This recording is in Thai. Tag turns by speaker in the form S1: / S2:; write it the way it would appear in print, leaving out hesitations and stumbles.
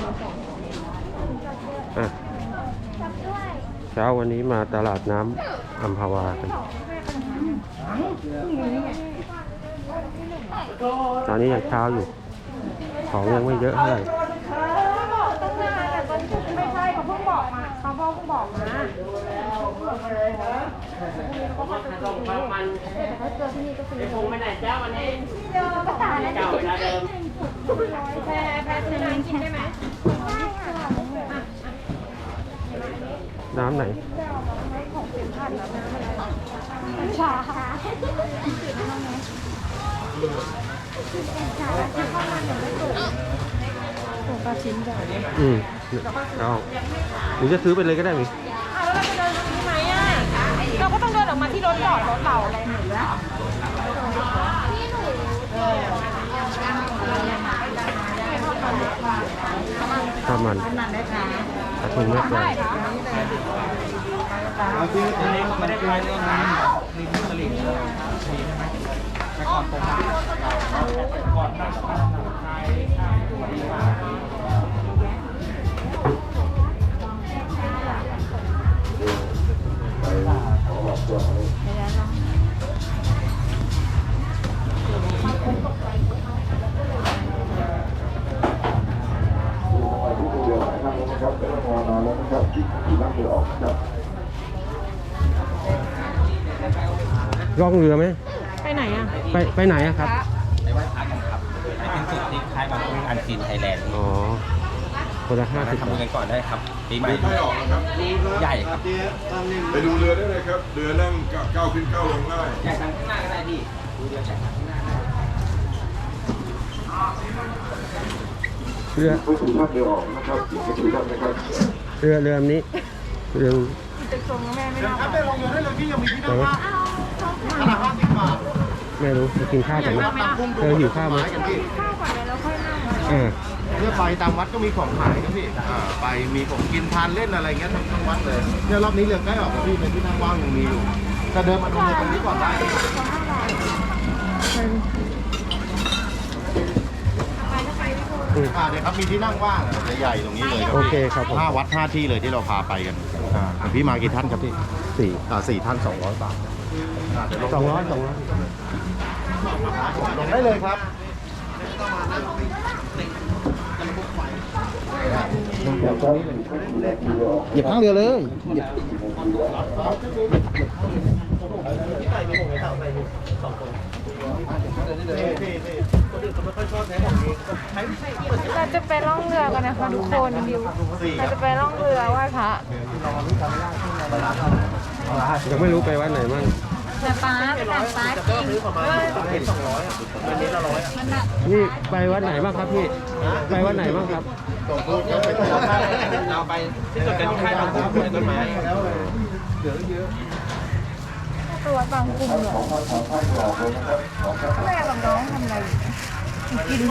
S1: อ่ะเช้าวันนี้มาตลาดน้ำอัมพวากันตอนนี้ยังเช้าอยู่ของยังไม่เยอะเท่าไหร่
S2: ไม่ใช่เขาเพิ่งบอกมาเขาเพิ่งบอกมาถ้าเจอที่นี่ก็คือคงไปไหนเจ้าวันนี้ก็ตายแล้วเจ้าเวลาเดิมแพ้จะน้ำกินได้ไหม
S1: น้ำไหน
S2: ของเสียงผ่านน้ำอะไรชาปลาชิ้นจ้ะ
S1: เอาหรือจะซื้อไปเลยก็ได้ไหม
S2: แล้วเราจะเดินตรงนี้ไหมอ่ะเราก็ต้องเดินออกมาที่รถจอดรถเราอะไรหนูแล้ว
S1: ข้าวมันกระทุงแม่ปลา
S3: คือตอนนี้ไม่ได้ใช้เรื่องน้ำริมตลิ่งมีใช่ไหมแต่ก่อนผมก่อนตั้งใช้
S1: ล่องเรือไหม
S2: ไปไหนอ่ะ
S1: ไปไหนอะครับ
S3: ไปไหว้พระกันครับไปเป็นสุดที่ค่ายบางกุ้งอันซีนไทยแลนด์
S1: อ๋อคนละ50
S3: ทำบุญกันก่อนได้ครับปีใหม่
S4: ไม่ออกนะครับ
S3: ใหญ่ครับ
S4: ไปดูเรือได้เลยครับเรือนั่งก้าวขึ้นก้าวลงได้
S3: ใหญ่ทางข้างหน้าก็ได้พี่ดูเรือใหญ่ทางข้างหน้าได้
S1: เรือ
S4: ผู้ถือท่านเรือออกนะครับผู้ถือท่านนะครับ
S1: เรือนี้เรือ
S2: จะส่งแม่ไม่ได้
S3: ครับไปลงเรือได้เลยพี่ยังมีที่นั่งว่าง
S1: ไม่รู้จะกินข้าวกันไหมหิวข้าวไหม
S2: ข้าวก่อนเลยแล้วค่อยนั่ง
S3: เพื่อไปตามวัดก็มีของขายนะพี่ไปมีของกินทานเล่นอะไรเงี้ยทั้งวัดเลยเนี่ยรอบนี้เรือใกล้ออกแล้วพี่เป็นที่นั่งว่างยังมีอยู่จะเดินมาดูเรือตรงนี้ก่อนได้เนี่ยครับมีที่นั่งว่างใหญ่ๆตรงนี้เลย
S1: โอเคครับ
S3: 5 วัด 5 ที่เลยที่เราพาไปกันพี่มากี่ท่านครับพี่4ท่าน200 บาท
S1: 200
S3: ลงได้เลยครับเหยียบข้างเรือเลย
S2: เราจะไปล่องเรือกันนะคะทุกคนเราจะไปล่องเรือไหว้พระ
S1: ยังไม่รู้ไปวัดไหนมั่ง
S2: แต่ป้าเป็นแบบป้าจริง
S1: นี่ไปวัดไหนบ้างครับพี่ไปวัดไหนบ้างครับ
S3: เราไปที่จุดกันที่ค่ายบางกุ้งต้นไม้
S2: ตัวบางกลุ่มเหรอแม่กับน้องทำอะไรกิน